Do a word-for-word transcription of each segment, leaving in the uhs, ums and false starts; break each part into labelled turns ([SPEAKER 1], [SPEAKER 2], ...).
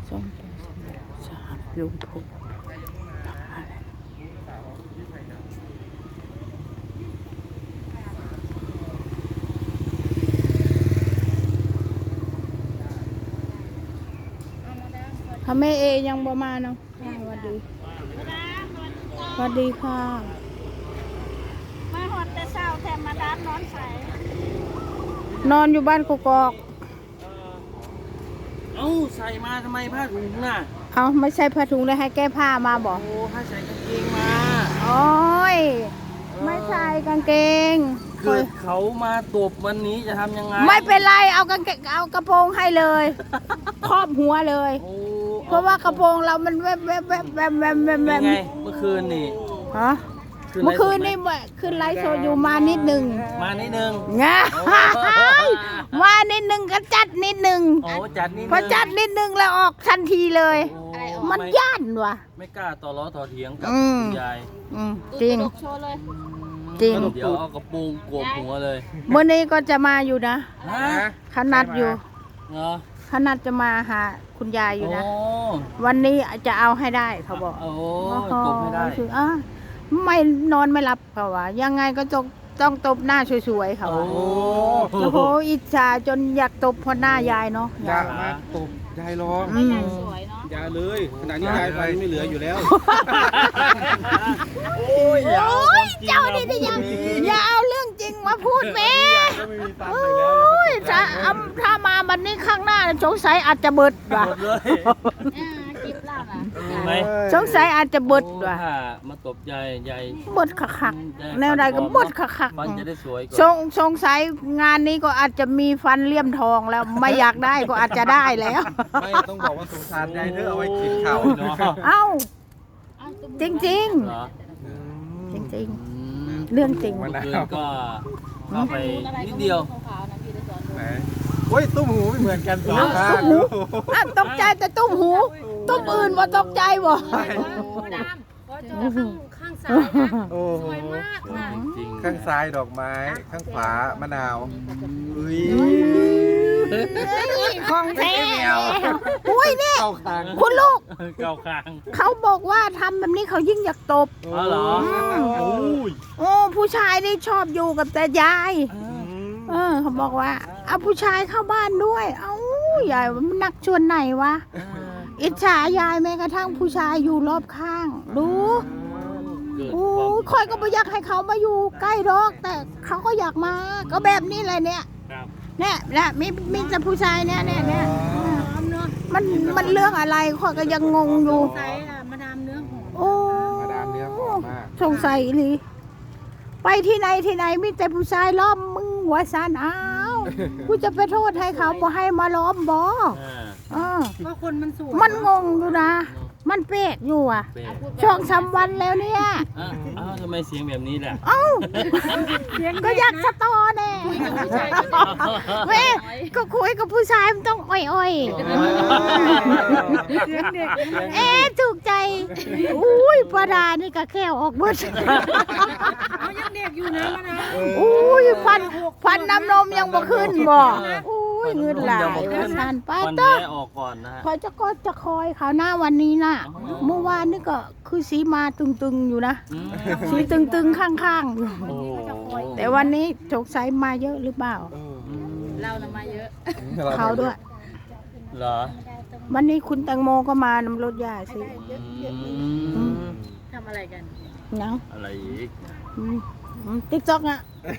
[SPEAKER 1] ส้มสามลุงพลทำไมเอยังบ่มาเนาะสวัสดีสวัสดีค่ะ
[SPEAKER 2] มาหอดแต่เช้าแถมมาดามนอนใส
[SPEAKER 1] นอนอยู่บ้านกกอก
[SPEAKER 3] เอ้าใส่มาทำไมผ้าถุงน่ะ
[SPEAKER 1] เอาไม่ใช่ผ้าถุงเลยให้แก้ผ้ามาบอก
[SPEAKER 3] โอ้ถ้าใส่กางเกงมา
[SPEAKER 1] โอ้ยไม่ใส่กางเกง
[SPEAKER 3] เกิดเขามาตบวันนี้จะทำยังไง
[SPEAKER 1] ไม่เป็นไรเอากางเกงเอากระโปรงให้เลยครอบหัวเลยเพราะว่ากระโปรงเรามันแวบแวบแวบแวบแวบแวบแวบ
[SPEAKER 3] ไงเมื่อคืนนี่
[SPEAKER 1] ฮะเมื่อคืนนี่คืนไลฟ์โชว์อยู่มานิดนึง
[SPEAKER 3] มานิดนึง
[SPEAKER 1] งามานิดนึงก็จัดนิดนึง
[SPEAKER 3] โอ้จัดนิดนึง
[SPEAKER 1] พอจัดนิดนึงแล้วออกทันทีเลยมันย่านว่ะ
[SPEAKER 3] ไม่กล้าต่อล้อต่อเถียงกับคุณยาย
[SPEAKER 1] จริงจริง
[SPEAKER 3] เดี๋ยวเอากระโปรงโกบหัวเลย
[SPEAKER 1] เมื่อนี้ก็จะมาอยู่นะขนัดอยู่
[SPEAKER 3] เหรอ
[SPEAKER 1] ขนัดจะมาหาคุณยายอยู่นะวันนี้จะเอาให้ได้เขาบอก
[SPEAKER 3] โอ้ตบให้ได้
[SPEAKER 1] ไม่นอนไม่หลับเขาว่ายังไงก็ต้องต้องตบหน้าสวยๆเขาว่าโอ้โหอิจฉาจนอยากตบพอหน้ายายเนาะ
[SPEAKER 4] อยากมาตบยายร้อง
[SPEAKER 2] ยายสวยเนาะ
[SPEAKER 4] ยายเลยขณะนี้ยายฟันไม่เหลืออยู่แล้ว
[SPEAKER 3] โอ้ย
[SPEAKER 1] เจ้านี่ที่ยังอย่าเอาเรื่องจริงมาพูดแม่โอ้ยถ้าถ้ามาบันนี้ข้างหน้าสงสัยอาจจะเบิดว่ะสงสัยอาจจะเบิดว่ะ
[SPEAKER 3] มาตบยายยาย
[SPEAKER 1] เบิดคักๆแนวใดก็เบิดคักๆ
[SPEAKER 3] ฟันจะได้สวย
[SPEAKER 1] สงสงสัยงานนี้ก็อาจจะมีฟันเลี่ยมทองแล้วไม่อยากได้ก็อาจจะได้แล้ว
[SPEAKER 4] ไม่ต้องบอกว่าสงสารยายเธอเอาไว้กินข้าวเนาะ
[SPEAKER 1] เอ้าจริงจริงจริงจริงเรื่องจริง
[SPEAKER 3] มันก็เข้าไปนิดเดียว
[SPEAKER 4] โอ้ยตุ้มหูไม่เหมือนกันสองข้าง
[SPEAKER 1] ตกใจแต่ตุ้มหูตุ้มอื่นว่าตกใจบ่
[SPEAKER 2] ดามก็เจอข้างซ้ายสวยมากค่ะ
[SPEAKER 4] ข้างซ้ายดอกไม้ข้างขวามะนาวอุ้ย
[SPEAKER 1] ของแท้อุ้ยเนี่ยคุณลูก
[SPEAKER 3] เก่าคาง
[SPEAKER 1] เขาบอกว่าทำแบบนี้เขายิ่งอยากตบ
[SPEAKER 3] อ๋อเหรอ
[SPEAKER 1] โอ้ผู้ชายนี่ชอบอยู่กับแต่ยายเออเขาบอกว่าเอาผู้ชายเข้าบ้านด้วยเอ้ายายมันนักชวนไหนวะอิจฉายายแม้กระทั่งผู้ชายอยู่รอบข้างดูโอ้คอยก็ไม่อยากให้เขามาอยู่ใกล้ดอกแต่เขาก็อยากมาก็แบบนี้เลยเนี่ยเนี่ยแหละมีมีแต่ผู้ชายเนี่ยเนี่ยเนี่ยมันมันเรื่องอะไรคอยก็ยังงงอยู่
[SPEAKER 2] ใส่มาดามเนื้อหอม
[SPEAKER 1] โอ้
[SPEAKER 4] มาดามเนื้อหอมมาก
[SPEAKER 1] สงสัยเลยไปที่ไหนที่ไหนมีแต่ผู้ชายล้อมมึงหัวซานอ้าวกูจะไปโทษให้เขาบ่ให้มาล้อมบ่
[SPEAKER 2] ก็คนมันสูง
[SPEAKER 1] มันงงอยู่นะมันเป๊กอยู่อ่ะช่องสามวันแล้วเนี่ย
[SPEAKER 3] อ้าวทำไมเสียงแบบนี้ล่ะ
[SPEAKER 1] เอ้าก็อยากสตอแน่เว้ยก็คุยกับผู้ชายมันต้องอ่อยๆเอ๊ะถูกใจอุ้ยปลาดานี่ก็แค่ออกเบิด
[SPEAKER 2] เขายังเด็กอยู่นะมานะ
[SPEAKER 1] อุ้ยฟันฟันน้ำนมยังบ่ขึ้นบ่อุ้ยเงินหลายสันป้าต้อ
[SPEAKER 3] ออกก่อนนะ
[SPEAKER 1] คอยจะก็จะคอยเขาหน้าวันนี้น่ะเมื่อวานนี่ก็คือสีมาตึงๆอยู่นะสีตึงๆข้างๆอยู่แต่วันนี้สงสัยมาเยอะหรือเปล่า
[SPEAKER 2] เราน่ะมาเยอะ
[SPEAKER 1] เขาด้วย
[SPEAKER 3] เหรอ
[SPEAKER 1] วันนี้คุณแตงโมก็มานำรถยาสิ
[SPEAKER 2] ทำอะไรกัน
[SPEAKER 1] ยัง
[SPEAKER 3] อะไรอีก
[SPEAKER 1] ติ๊กจ๊อกอะ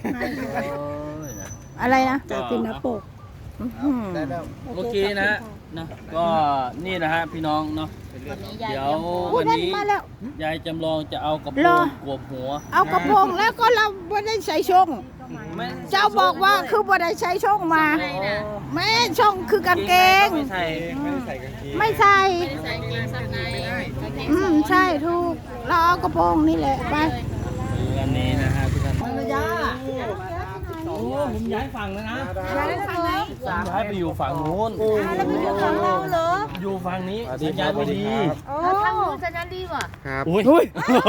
[SPEAKER 1] อะไรนะจะกินน้ำปก
[SPEAKER 3] เมื่อกี้นะนะก็นี่นะฮะพี่น้องเนาะเดี๋ยววันนี้ยายจำลองจะเอากระโปรงกวบหัว
[SPEAKER 1] เอากระโปรงแล้วก็เราไม่ได้ใส่ช่องเจ้าบอกว่าคือไม่ได้ใช้ช่องมาแม่ช่องคือกางเกง
[SPEAKER 3] ไม่ใส่
[SPEAKER 4] ไม่ใส่กางเกง
[SPEAKER 1] ไม่ใส่
[SPEAKER 2] ใส่เกงซับใน
[SPEAKER 1] อืมใช่ถูกเราเอากระโปรงนี่แหละไป
[SPEAKER 3] วันนี้นะฮะทุกท่าน
[SPEAKER 1] ภรรยา
[SPEAKER 3] โอ้ผมย้ายฝั่งแล้วนะ
[SPEAKER 1] ย้ายฝั่งไหน
[SPEAKER 3] ย้ายไปอยู่ฝั่งนู้น
[SPEAKER 1] แล้วไปอยู่ฝั่งเราเหรอ
[SPEAKER 3] อยู่ฝั่งนี้สัญญาณไม่ดี
[SPEAKER 2] แล้วทางนู้นสัญญาณดีว่ะ
[SPEAKER 4] ครับ
[SPEAKER 3] อุ้ย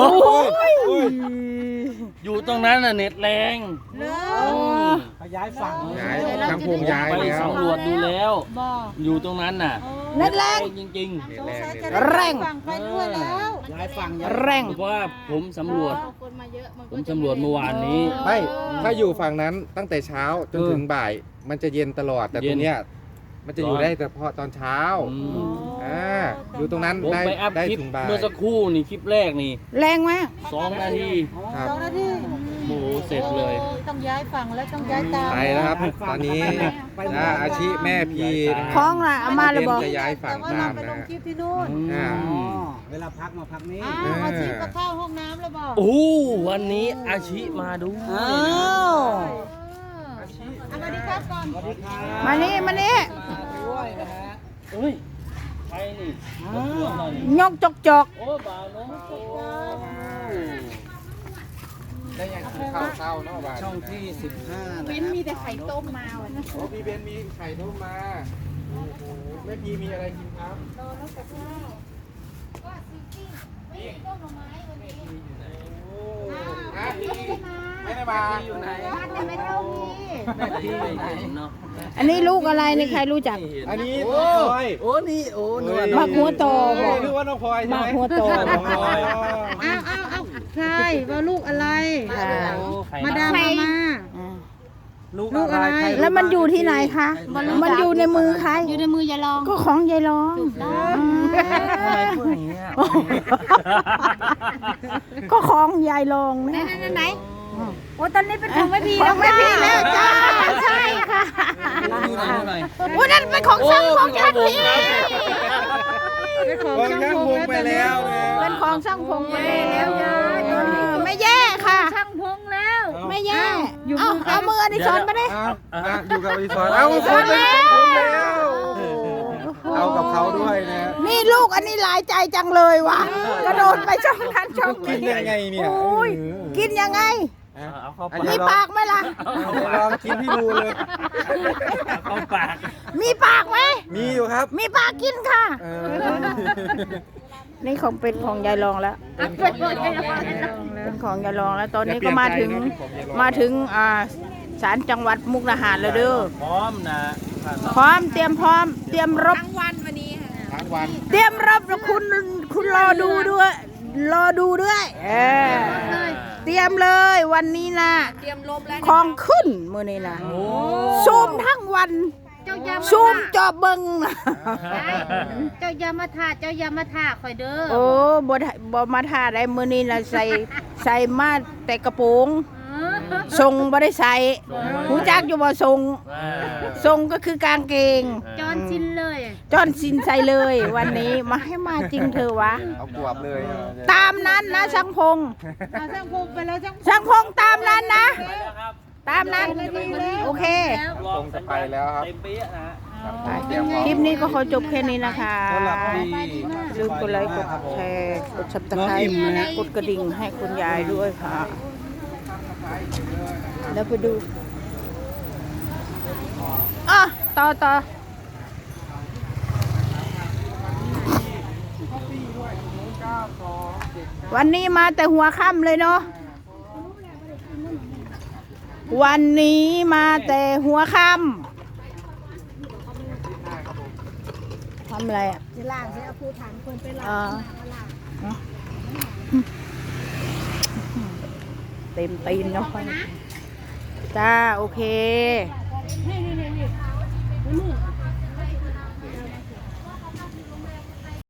[SPEAKER 3] อยู่ตรงนั้นน่ะเน็ตแรง
[SPEAKER 1] ย้ายฝั่ง
[SPEAKER 4] ย้ายทำพงย้าย
[SPEAKER 3] ไปสำรวจดูแล้วอยู่ตรงนั้นน่ะ
[SPEAKER 1] เน็ตแรง
[SPEAKER 3] จริง
[SPEAKER 4] นี่แรงนี่
[SPEAKER 1] แรง
[SPEAKER 5] ฝั่งไปด้วยแล้ว
[SPEAKER 6] ย้ายฝั่ง
[SPEAKER 1] แรง
[SPEAKER 3] ๆเพราะว่าผมสำรวจ ผมสำรวจเมื่อวานนี้
[SPEAKER 4] ไม่ถ้าอยู่ฝั่งนั้นตั้งแต่เช้าจนถึงบ่าย มันจะเย็นตลอดแต่
[SPEAKER 3] เย็
[SPEAKER 4] ตร
[SPEAKER 3] น
[SPEAKER 4] งเนี้ยมันจะอยู่ได้แต่เฉพาะตอนเช้า
[SPEAKER 3] อืม
[SPEAKER 4] อ่าอยู่ตรงนั้น
[SPEAKER 3] ผม
[SPEAKER 4] ได้
[SPEAKER 3] ไปอัพ
[SPEAKER 4] ได้
[SPEAKER 3] คลิป
[SPEAKER 4] ถึงบ่าย
[SPEAKER 3] เมื่อสักครู่นี่คลิปแรกนี่
[SPEAKER 1] แรงมาก
[SPEAKER 3] สองนาที
[SPEAKER 4] ครับ
[SPEAKER 5] สองนาที
[SPEAKER 3] โอ้โหเสร็จเลย
[SPEAKER 5] ต้องย้ายฝั่งแล้วต้องย้ายตาม
[SPEAKER 4] ไปแล้วครับ ตอนนี้อ่าอาชีแม่พีนะ
[SPEAKER 1] คล้องน่ะเอามาเลยบอก
[SPEAKER 4] จะย้ายฝั่ง
[SPEAKER 5] แต่ว่า
[SPEAKER 4] ตา
[SPEAKER 5] เรา
[SPEAKER 4] ม
[SPEAKER 5] ไปล
[SPEAKER 4] นะ
[SPEAKER 5] งคลิปที่นู่น
[SPEAKER 4] อ่า
[SPEAKER 6] เวลาพักมาพักนี้
[SPEAKER 5] อ้าวอาชีพก็เข้าห้องน้ำแล้วบอก
[SPEAKER 3] โอ้วันนี้อาชิมาดู
[SPEAKER 1] อ้าว
[SPEAKER 5] สวัสดีครับก่อน
[SPEAKER 1] มานี่มานี่
[SPEAKER 6] ด้วยนะฮะ
[SPEAKER 3] เฮ้ยใครนี่รบกวนหน่อยนี่
[SPEAKER 1] ยกจกจก
[SPEAKER 3] โอ้บ่าวน้องโอ้
[SPEAKER 4] ได้ยังกินข้าวเช้าเนาะบ้าน
[SPEAKER 6] ช่องที่สิบห้านะ
[SPEAKER 1] วินมีแต่ไข่ต้มมาวันนี้
[SPEAKER 4] โอ้พี่เบนมีไข่ต้มมาโอ้โหแม่พีมีอะไรกินครับโอ้ฮะไม่ได้มา
[SPEAKER 3] อยู่ไหน
[SPEAKER 1] บ้านไม่เท่านี้
[SPEAKER 3] แม่พี่ไม่เห็นเนาะ
[SPEAKER 1] อันนี้ลูกอะไรนี่ใครรู้จัก
[SPEAKER 3] ไม่เห็น
[SPEAKER 4] อันนี้
[SPEAKER 6] โอ้
[SPEAKER 4] น้องพลอย
[SPEAKER 6] โอ้นี่โอ้นวล
[SPEAKER 1] มักหัวโต
[SPEAKER 4] เฮ้ยนึกว่าน้องพลอยใช่
[SPEAKER 1] มา
[SPEAKER 4] ไหม
[SPEAKER 1] หัวโต
[SPEAKER 4] น้องพลอย
[SPEAKER 5] อ้าวอ้าวอ้าวใช่ว่าลูกอะไร
[SPEAKER 1] ค่ะ
[SPEAKER 3] โอ้ไข่
[SPEAKER 5] มา
[SPEAKER 3] ดา
[SPEAKER 5] ดาม
[SPEAKER 3] ว
[SPEAKER 5] มามา
[SPEAKER 1] อ่า
[SPEAKER 6] ลูก
[SPEAKER 5] ลูกอะไร
[SPEAKER 6] ใคร
[SPEAKER 1] แล้วมันอยู่ที่ไหนคะ มันอยู่ในมือใคร
[SPEAKER 2] อยู่ในมือยายลอง
[SPEAKER 1] ก็ของยายรอง
[SPEAKER 3] ทำไมพูดอย่างนี้อะ
[SPEAKER 1] ก็ของยายรอง
[SPEAKER 2] ไหน
[SPEAKER 1] นะ
[SPEAKER 2] ไหนไหนโอ้ตอนนี้เป็นของแม่พี
[SPEAKER 1] ของแม่พี่แล้วจ้าใช่ค่ะ
[SPEAKER 3] ดูหน่อยดูหน่อย
[SPEAKER 1] อุ้ยนั่นเป็นของช่างพงทันที
[SPEAKER 5] เป็นของ
[SPEAKER 4] วาง
[SPEAKER 5] ช่าง
[SPEAKER 4] ข้าง
[SPEAKER 5] พ
[SPEAKER 4] ว
[SPEAKER 5] ง
[SPEAKER 4] งไปแล้วเนี่ย
[SPEAKER 1] เป็นของช่างพงไปแล้วยายไม่แย่ค่ะ
[SPEAKER 2] ช่างพงแล้ว
[SPEAKER 1] ไม่แย่เอาเอามืออดิศรมาดิ
[SPEAKER 4] อ้าวอ่ะอยู่กับอดิศรเอ้าคนเป็นของผมแล้ว เอากับเขาด้วยนะ
[SPEAKER 1] นี่ลูกอันนี้หลายใจจังเลยว่ะกระโดดไปช่องนั้นช่อง
[SPEAKER 4] กินยังไงเนี่ย
[SPEAKER 1] โอ้ยกินยังไง
[SPEAKER 3] เอาเข้า
[SPEAKER 4] อัน
[SPEAKER 3] ปา
[SPEAKER 4] นี้
[SPEAKER 1] มี
[SPEAKER 3] ก
[SPEAKER 1] ปากไหมล่ะ
[SPEAKER 4] ลองกินให้ดูเลย
[SPEAKER 3] เอาเข้าปาก
[SPEAKER 1] มีปากไหม
[SPEAKER 4] มีอยู่ครับ
[SPEAKER 1] มีปากกินค่ะ
[SPEAKER 4] เออ
[SPEAKER 1] นี่ของเป็นของยายรองแล้ว
[SPEAKER 3] เป็นของยายรอง
[SPEAKER 1] เป็นของยายรองแล้ว ตอนนี้
[SPEAKER 4] อย่าเปลี่
[SPEAKER 1] ก็
[SPEAKER 4] ยน
[SPEAKER 1] มาถึง
[SPEAKER 4] ใจนะเป็นของยายรอง
[SPEAKER 1] มาถึงอ่าศาลจังหวัดมุกดาหารแล้วเด้อ
[SPEAKER 3] พร้อมนะ
[SPEAKER 1] พร้อมเตรียมพร้อม เตรียมรบ
[SPEAKER 2] ทั้งวันวันนี้ค่ะ
[SPEAKER 4] ทั้งวัน
[SPEAKER 1] เตรียมรับแล้วคุณคุณรอดูด้วย รอดูด้วยเออเตรียมเลยวันนี้นะ
[SPEAKER 2] เตรียมลบแล้ว
[SPEAKER 1] ของขึ้นมือนี้นะ
[SPEAKER 3] โอ้
[SPEAKER 1] ซูมทั้งวัน
[SPEAKER 2] เจ้ายามา
[SPEAKER 1] ซูมจอเบิงนะ
[SPEAKER 2] เจ้ายามาทาเจ้ายามาทาคอยเด้อ
[SPEAKER 1] โอ้บ่ได้บ่มาท่าได้มือนี้นะใส่ใส่มาแต่กระโปรงทรงบ่ได้ใส่หูจักอยู่บ่ทรงทรงก็คือกางเกง
[SPEAKER 2] จอนชินเลย
[SPEAKER 1] จอนสินใส่เลยวันนี้มาให้มาจริงเธอะวะ
[SPEAKER 4] เอากวบเลย
[SPEAKER 1] ตามนั้นนะช่างพง
[SPEAKER 5] เอาช่างพงไปแล้วช่าง
[SPEAKER 1] ช่างพงตามนั้นนะ ตามนั้นโอเค
[SPEAKER 4] คงจะไปแล้วครับ
[SPEAKER 3] เต็มเปี้ยนะฮะ
[SPEAKER 4] เตรียมพร้อม
[SPEAKER 1] คลิปนี้ก็ขอจบแค่นี้นะคะ
[SPEAKER 6] สำหรับที่
[SPEAKER 1] ลืมกดไลค์กดแชร์กดซับสไครต์กดกระดิ่งให้คุณยายด้วยค่ะ แล้วไปดูอ่ะต่อต่อวันนี้มาแต่หัวค่ำเลยเนาะวันนี้มาแต่หัวค่ำทำอะไรอ่ะ
[SPEAKER 5] จะล่างใช้เอาผู้ถามคนไปล่าง
[SPEAKER 1] อ่าเต็มตีนเนาะจ้า โอเค
[SPEAKER 2] นี่นี่นี่นี่